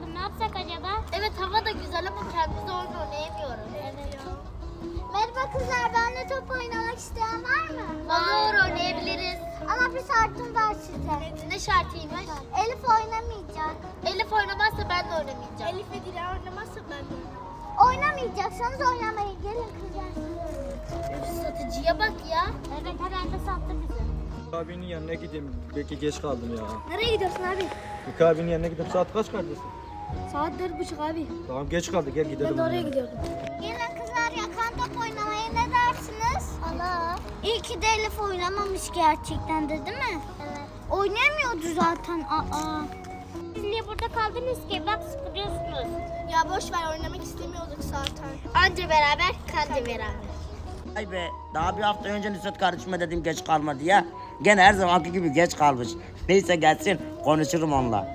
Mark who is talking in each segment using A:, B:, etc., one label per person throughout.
A: kaldım. Ne yapsak acaba?
B: Evet, hava da güzel ama kendimiz oyun oynayamıyoruz.
A: Evet.
B: Merhaba kızlar, benimle top oynamak isteyen var mı? Olur, oynayabiliriz. Ama bir şartım var size. Ne şartıymış? Elif oynamayacak. Elif oynamazsa ben de oynamayacağım. Elif ve Dila oynamazsa ben de oynamayacağım. Oynamayacaksanız oynamayın. Gelin kızlar. Satıcıya bak ya.
A: Evet, hemen de sattı bizi.
C: Abinin yanına gideyim. Belki geç kaldım ya.
B: Nereye gidiyorsun abi?
C: Mika abinin yanına gidip saat kaç kardeşim?
B: Saat 4:30 abi.
C: Tamam geç kaldık gel gidelim.
B: Ben de oraya gidiyordum. Gelin kızlar, yakan top oynamaya ne dersiniz? Allah. İyi ki de Elif oynamamış gerçekten de, değil mi? Evet. Oynamıyordu zaten.
A: Siz niye burada kaldınız ki? Bak sıkılıyorsunuz.
B: Ya boş ver, oynamak istemiyorduk zaten. Anca beraber, kanca beraber.
D: Ay be, daha bir hafta önce Nusret kardeşime dedim geç kalma diye. Gene her zamanki gibi geç kalmış. Neyse gelsin, konuşurum onunla.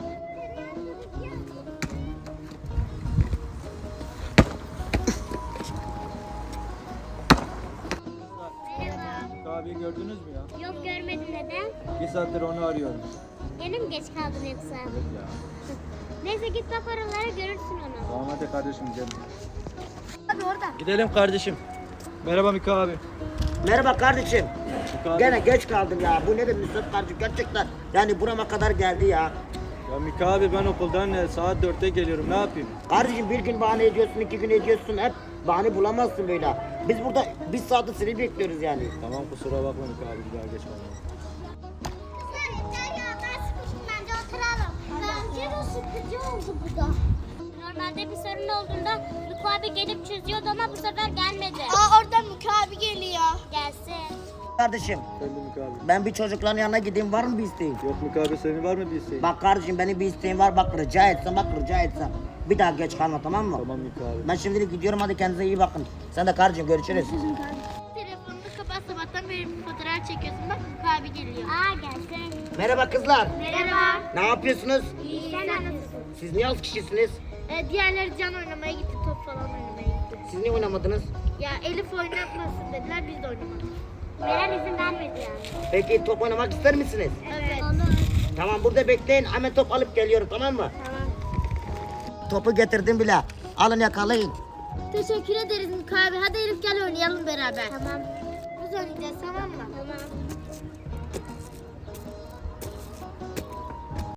A: Merhaba.
C: Mika abiyi gördünüz mü ya?
A: Yok, görmedim, neden?
C: Bir saattir onu arıyorum.
A: Gene mi geç kaldın yoksa?
C: Evet ya.
A: Neyse git bak oralara, görürsün onu.
C: Tamam hadi kardeşim gel.
B: Abi orada.
C: Gidelim kardeşim. Merhaba Mika abi.
D: Merhaba kardeşim.
C: Mika abi.
D: Gene geç kaldım ya. Bu nedir Nusret kardeşim gerçekten. Yani burama kadar geldi ya.
C: Ya Mika abi ben okuldan saat 4'te geliyorum ne yapayım?
D: Kardeşim bir gün bahane ediyorsun, 2 gün ediyorsun. Hep bahane bulamazsın böyle. Biz burada bir saati seni bekliyoruz yani.
C: Tamam kusura bakma Mika abi bir daha geç kalma.
B: Kızlar yeter ya, ben sıkıştım, bence oturalım. Bence de sıkıcı oldu bu da.
A: Normalde bir sorun olduğunda Luku abi gelip çözüyordu ama bu sefer gelmedi.
B: Oradan Muka abi geliyor.
A: Gelsin.
D: Kardeşim
C: Efendim Mika abi.
D: ben bir çocukların yanına gideyim, var mı bir isteğin?
C: Yok Mika abi senin var mı bir isteğin?
D: Bak kardeşim benim bir isteğim var, bak rica etsem. Bir daha geç kalma, tamam mı?
C: Tamam Mika abi.
D: Ben şimdilik gidiyorum, hadi kendinize iyi bakın. Sen de kardeşim görüşürüz.
B: Telefonunu kapat, sabahtan beri fotoğraf çekiyorsun. Bak Muka abi geliyor.
A: Gelsin.
D: Merhaba kızlar.
B: Merhaba.
D: Ne yapıyorsunuz?
A: İyi, sen nasılsın?
D: Siz niye az kişisiniz?
B: Diğerleri can oynamaya gitti, top falan oynamaya gitti.
D: Siz niye oynamadınız?
B: Ya Elif oynatmasın dediler, biz de oynamadık.
A: Meral izin vermedi yani.
D: Peki top oynamak ister misiniz?
B: Evet.
D: Tamam burada bekleyin, hemen top alıp geliyorum, tamam mı?
B: Tamam.
D: Topu getirdim bile. Alın yakalayın.
B: Teşekkür ederiz Muka abi. Hadi Elif gel oynayalım beraber. Tamam. Biz oynayacağız, tamam mı?